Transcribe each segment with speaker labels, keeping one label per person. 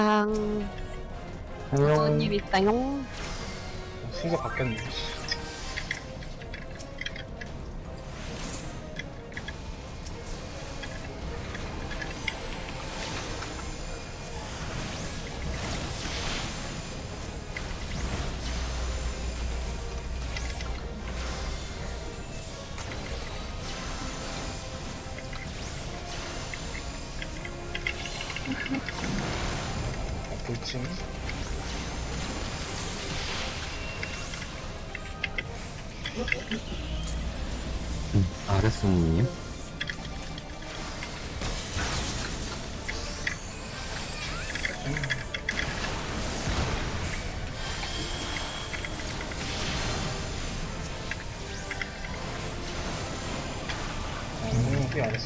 Speaker 1: 손님 있다용.
Speaker 2: 순서 바뀌었네. 돌진.
Speaker 3: 아랫손님.
Speaker 2: 꽤 안 했어.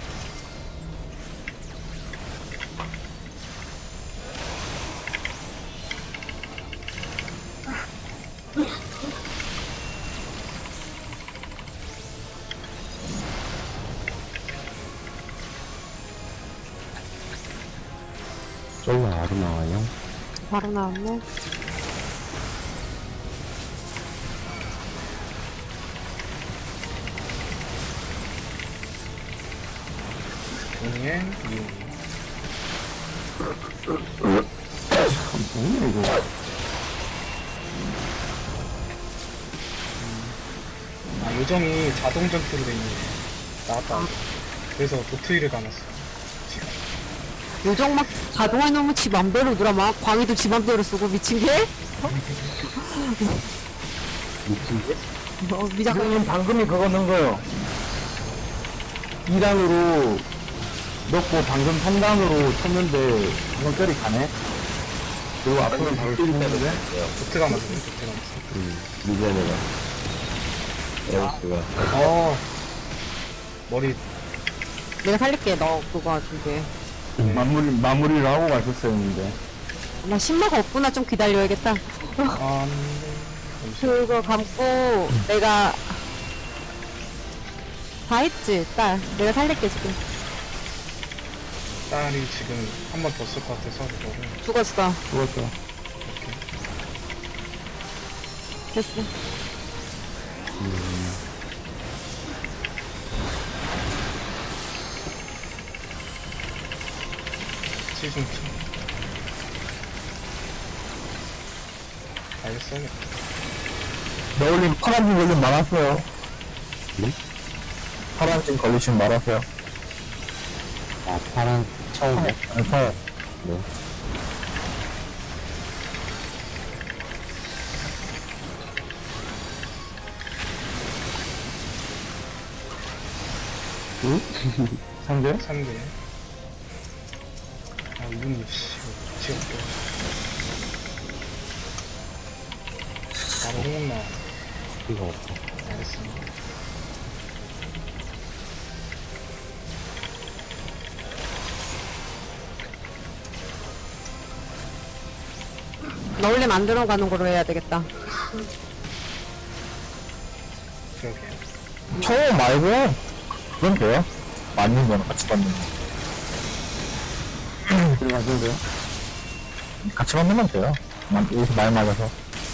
Speaker 3: 솔로 아로 나와요.
Speaker 1: 바로 나왔네.
Speaker 2: 동행, 미용.
Speaker 3: 뭐야 이거.
Speaker 2: 아, 요정이 자동 전투로 돼 있네. 나왔다. 그래서 도트위를 감았어. 지금.
Speaker 1: 요정 막 자동해놓으면 지 맘대로 놀아. 막 광희도 지 맘대로 쓰고 미친 게?
Speaker 3: 미친 게?
Speaker 1: 미작가
Speaker 4: 지금 방금이 그거 넣은 거요. 2단으로 넣고 방금 3단으로 쳤는데 이건 뼈리 가네. 그리고 앞으로는 바로 쏘는데
Speaker 2: 도트 감았어. 도트 감았어.
Speaker 3: 미제네가. 에어스가.
Speaker 2: 머리.
Speaker 1: 내가 살릴게. 너 그거 준비해.
Speaker 4: 마무리를 하고 갔었어야 했는데.
Speaker 1: 나 신마가 없구나. 좀 기다려야겠다.
Speaker 2: 안 돼.
Speaker 1: 그거 감고 내가 다 했지. 딸. 내가 살릴게 지금.
Speaker 2: 딸이 지금 한 번 더 쓸 것 같아서 그거를.
Speaker 1: 죽었어.
Speaker 4: 죽었어.
Speaker 1: 됐어.
Speaker 2: 시즌 2. 알겠어.
Speaker 4: 너울님 파란색 걸리면 말았어요.
Speaker 3: 네?
Speaker 4: 파란색 걸리시면 말았어요.
Speaker 3: 아, 파란 처음에?
Speaker 4: 그래서
Speaker 3: 네. 응?
Speaker 4: 상대?
Speaker 2: 3개. 아, 이분이, 씨, 지옥도. 바로 홍옥 나와.
Speaker 3: 이거 없어.
Speaker 2: 알겠습니다.
Speaker 1: 나 원래 만들어 가는 거로 해야 되겠다.
Speaker 2: 그러게요.
Speaker 4: 처음 말고 그건 돼요. 맞는 거는 같이 받는 거.
Speaker 3: 들어가셔도 돼요?
Speaker 4: 같이 받으면 돼요. 여기서 말 맞아서.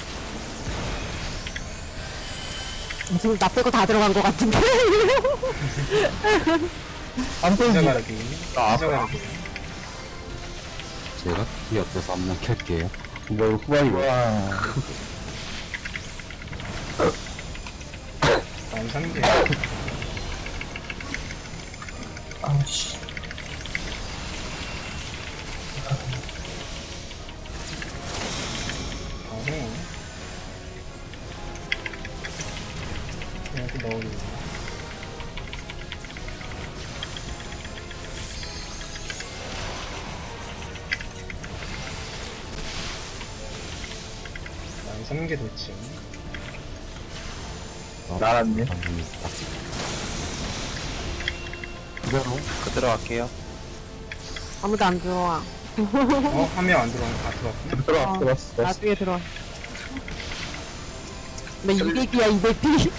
Speaker 1: 지금 나 빼고 다 들어간 거 같은데.
Speaker 4: 안 되지.
Speaker 2: 시작하기.
Speaker 4: 아,
Speaker 2: 시작하기.
Speaker 3: 제가 키 없어서 한번 켤게요. 뭘 후반이고.
Speaker 4: 와.
Speaker 2: 다음 3개.
Speaker 4: 아씨.
Speaker 2: 다음 이렇게 넣어주고. 다음 3개 돌진.
Speaker 4: 나란데.
Speaker 5: 그대로 갈게요.
Speaker 1: 아무도 안 들어와.
Speaker 2: 한 명 안 들어오면 다 들어왔구나.
Speaker 4: 들어왔어, 들어왔어.
Speaker 1: 나중에 들어와. 나 200이야 200비.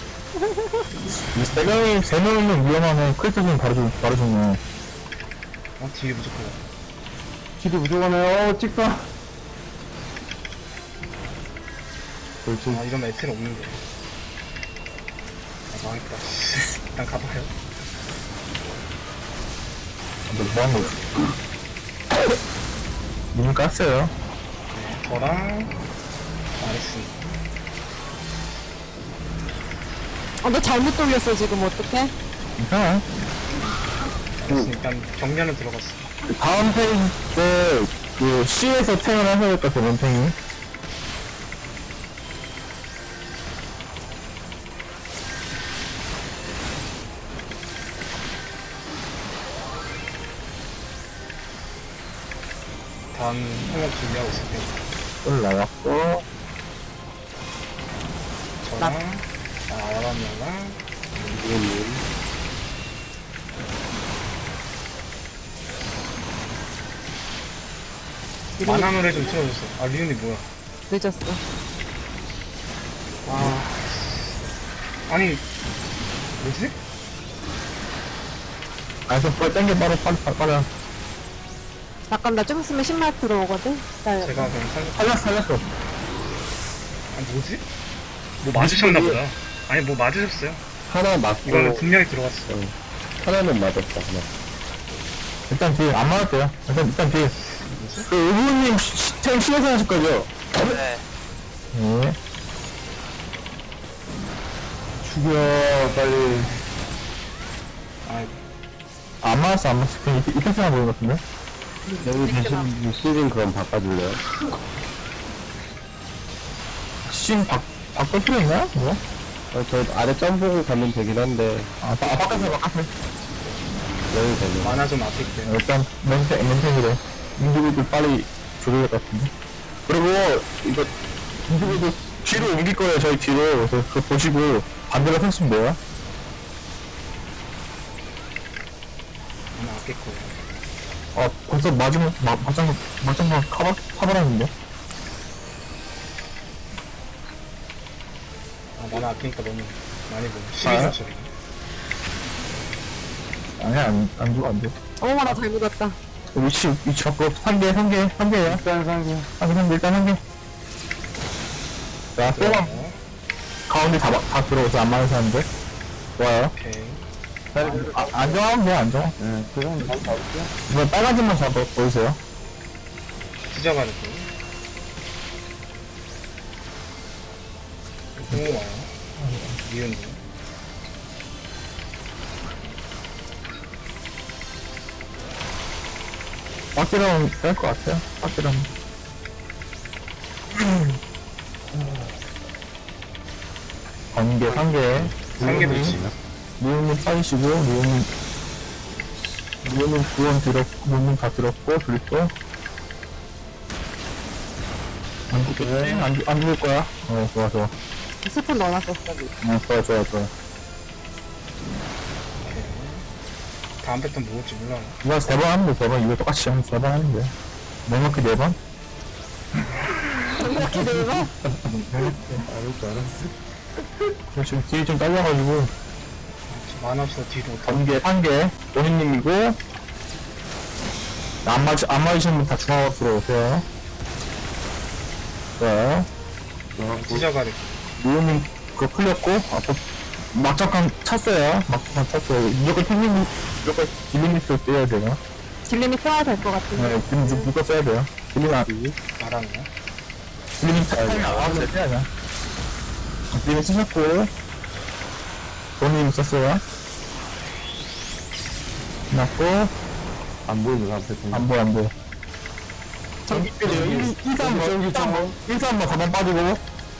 Speaker 4: 세 명이면 위험하네. 크리스는 바로 죽네.
Speaker 2: 뒤에 무조건.
Speaker 4: 길이 부족하네요. 찍다. 그렇지.
Speaker 2: 아, 이러면 에텔 없는데. 아, 망했다. 일단 가봐요.
Speaker 4: 너무한 거. 이미 깠어요.
Speaker 2: 네, 저랑, 나이스.
Speaker 1: 너 잘못 돌렸어, 지금. 어떡해?
Speaker 4: 괜찮아.
Speaker 2: 나이스. 일단 경련은 들어갔어.
Speaker 4: 다음 페이지 때, 그, C에서 탱을 하셔야겠다, 저번 탱이.
Speaker 2: 다음 항목 준비하고 있을 테니까.
Speaker 4: 을 나갔고,
Speaker 2: 저랑, 아라미아랑,
Speaker 3: 이거는
Speaker 2: 만화 노래 좀 틀어줬어. 아, 리온이 뭐야.
Speaker 1: 늦었어.
Speaker 2: 아. 아니, 뭐지?
Speaker 4: 아, 그래서 빨리 땡겨, 빠르.
Speaker 1: 잠깐, 나 좀 있으면 10말 들어오거든? 기다려.
Speaker 2: 제가 그냥 살렸,
Speaker 4: 살렸어.
Speaker 2: 아, 뭐지? 뭐 맞으셨나 보다. 아니, 뭐 맞으셨어요.
Speaker 3: 하나 맞고
Speaker 2: 이거는 분명히 들어갔어.
Speaker 3: 하나는 맞았다. 하나.
Speaker 4: 일단 뒤에, 안 맞았대요. 일단 뒤에. 그, 의부님 탱 C에서 하실 거죠?
Speaker 5: 네.
Speaker 4: 네. 죽여, 빨리.
Speaker 2: 아,
Speaker 4: 안 맞았어. 그냥 이펙트만 보는 것 같은데?
Speaker 3: 여기 대신 시즌 그럼 바꿔줄래요?
Speaker 4: 신 바꿀 필요 있나? 뭐?
Speaker 3: 저 아래 점 보고 가면 되긴 한데
Speaker 4: 바꿔서.
Speaker 3: 여기 되네.
Speaker 2: 만화 좀 아낄게요.
Speaker 4: 일단, 멘탱이래. 인디비드 빨리 조져야 될 것 같은데? 그리고, 이거, 인디비드 뒤로 옮길 거예요, 저희 뒤로. 그래서 그거 보시고, 반대로 섰으면 돼요.
Speaker 2: 만화 아낄 거예요.
Speaker 4: 벌써 마지막 카바라는데?
Speaker 2: 아, 만화 아끼니까 너무 많이 보네.
Speaker 4: 아.
Speaker 2: 12점 소리.
Speaker 4: 아니야, 안 줘, 안 돼.
Speaker 1: 어머, 나 잘못 왔다.
Speaker 4: 위치 바꿔. 3개야.
Speaker 3: 일단 상계.
Speaker 4: 일단 1개. 자, 쏘만 가운데 다 들어오서 안 맞는 사람들. 좋아요.
Speaker 2: 오케이.
Speaker 4: 안정하면 돼, 안정.
Speaker 3: 네, 그럼 바로 가볼게요.
Speaker 4: 이번 빨간 점만 잡아, 보이세요?
Speaker 2: 찢어가지고. 오, 와요. 미운님.
Speaker 4: 빡기라면 뺄것 같아요. 빡기라면. 번개, 3개.
Speaker 2: 상계도 있지.
Speaker 4: 리온님 빠지시고, 리온님 구원 들었고, 리온님 다 들었고, 들었고. 안 죽겠지? 안 죽을 거야. 좋아.
Speaker 1: 스푼 넣어놨었어.
Speaker 4: 좋아.
Speaker 2: 다음 패턴 뭐 올지 몰라.
Speaker 4: 이거 3번 하면 돼, 3번. 이거 똑같이 하면 3번 하면 돼. 넉넉히 4번?
Speaker 1: 이렇게 되면?
Speaker 4: 지금 뒤에 좀 딸려가지고,
Speaker 2: 만화 없어 뒤로 더.
Speaker 4: 번개, 1개, 오니님이고, 안 맞으시는 분 다 중앙으로 들어오세요. 자,
Speaker 2: 찢어가지고.
Speaker 4: 리오님 그거 풀렸고, 막장판 찼어요. 무조건 딜리미스 써야 돼요.
Speaker 1: 딜림이 써야 될 것 같은데.
Speaker 4: 네, 딜리미스 무조건 써야 돼요.
Speaker 2: 말하네요.
Speaker 4: 딜리미스 타이밍 써야죠. 딜리미스 쓰셨고, 본인 썼어요. 끝났고,
Speaker 3: 안 보이는 앞에
Speaker 4: 안 보여. 저기, 1-3번 가만 빠지고,
Speaker 2: 오케이.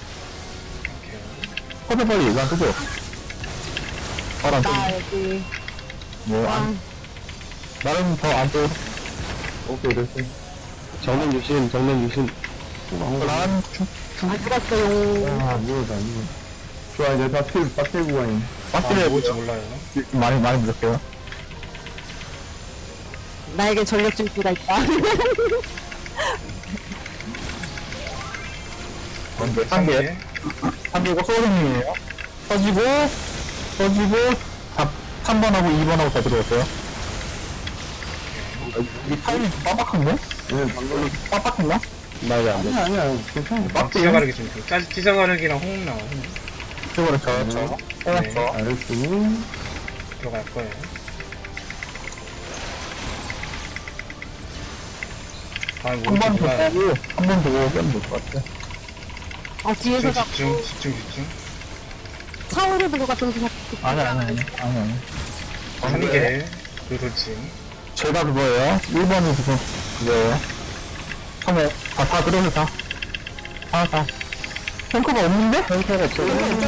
Speaker 4: 커피 빨리 이거 안 뜨죠? 파란
Speaker 1: 나 여기.
Speaker 4: 뭐,
Speaker 1: 아,
Speaker 4: 나름 더 안 떠.
Speaker 3: 오케이 됐어. 정면 유심.
Speaker 4: 난
Speaker 1: 안 죽었어요.
Speaker 3: 안 보여도 안 보여. 좋아 이제 빡대 구간이.
Speaker 2: 아,
Speaker 4: 빠뜨려
Speaker 2: 뭐 올지 몰라요.
Speaker 4: 많이 부족해요.
Speaker 1: 나에게 전력 질주가 있다.
Speaker 4: 먼저 3개. 3개고 소울님이에요. 터지고 3번하고 2번하고 다 들어왔어요. 이 타이밍 빠박한데?
Speaker 3: 얘는 방금
Speaker 4: 빡빡했나? 나이 안 돼.
Speaker 3: 아니야 괜찮아.
Speaker 2: 찢어가르기 좀 찢어가르기랑 호응 나와. 호응.
Speaker 4: 저거를 저.
Speaker 2: 네.
Speaker 3: 알았으니
Speaker 2: 들어갈 거예요. 아, 뭐
Speaker 4: 한 번 더
Speaker 2: 이렇게
Speaker 4: 보고, 한 번 더 보고 빼면 될 것 같아.
Speaker 1: 아, 뒤에서
Speaker 2: 집중,
Speaker 1: 자꾸
Speaker 2: 집중.
Speaker 1: 차오르 들고 같은 거 자꾸.
Speaker 4: 아니.
Speaker 2: 3개, 그 돌진.
Speaker 4: 제가 그거예요. 1번은 그거예요. 처음에 다 들어서 다. 다. 탱커가 없는데? 탱커가 없어.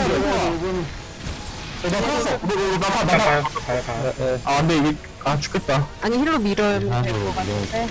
Speaker 4: 나 살았어.
Speaker 2: 가요.
Speaker 4: 아, 근데 이게, 죽겠다.
Speaker 1: 아니, 힐로 밀어야 될 것 같은데.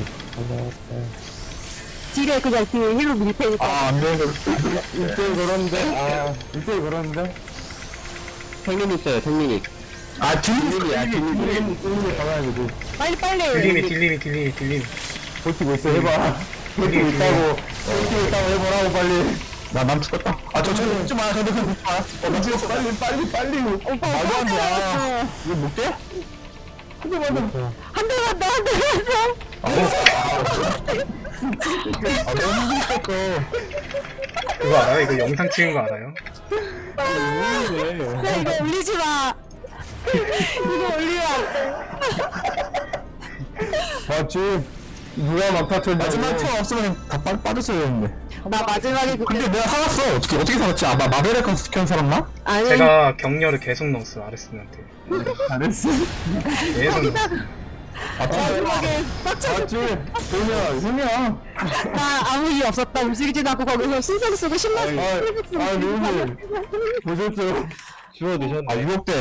Speaker 1: 딜에 그냥 뒤에 힐로 밀 테니까.
Speaker 4: 안 돼.
Speaker 3: 1대1 걸었는데 1대1 걸었는데
Speaker 5: 생님 있어요, 생님이.
Speaker 4: 딜리야,
Speaker 3: 뚫리게 가봐야 되지.
Speaker 1: 빨리.
Speaker 2: 딜림이.
Speaker 3: 버티고 있어 해봐. 버티고 있다고 해보라고 빨리.
Speaker 4: 난 죽었다. 저 죽지 마. 저도 그냥 죽지 마.
Speaker 3: 나 죽었어 빨리.
Speaker 1: 오빠,
Speaker 4: 말도 안 돼.
Speaker 1: 돼.
Speaker 4: 이거 못 돼?
Speaker 1: 한 대만 더.
Speaker 4: 너무 힘들었어.
Speaker 2: 그거 알아요? 이거 영상 찍은 거 알아요?
Speaker 1: 야, 이거 올리지 마. 이거 올리면 안 돼.
Speaker 3: 맞지? 누가 막타 쳤냐?
Speaker 4: 마지막 턴 없으면 다 빠졌어야 되는데.
Speaker 1: 나 마지막에 그때.
Speaker 4: 근데 내가 살았어. 어떻게 살았지? 마베레 컨스견 살았나?
Speaker 1: 아니,
Speaker 2: 제가 격려를 계속 넣었어요, 아레스한테.
Speaker 3: 잘했어.
Speaker 2: 계속 넣었어요.
Speaker 1: 마지막에 빡쳐.
Speaker 3: 맞지? 형이야.
Speaker 1: 나 아무 일 없었다. 움직이지도 않고 거기서 신경 쓰고 신나.
Speaker 3: 누구 보셨죠?
Speaker 5: 주워 드셨네.
Speaker 4: 유혹돼.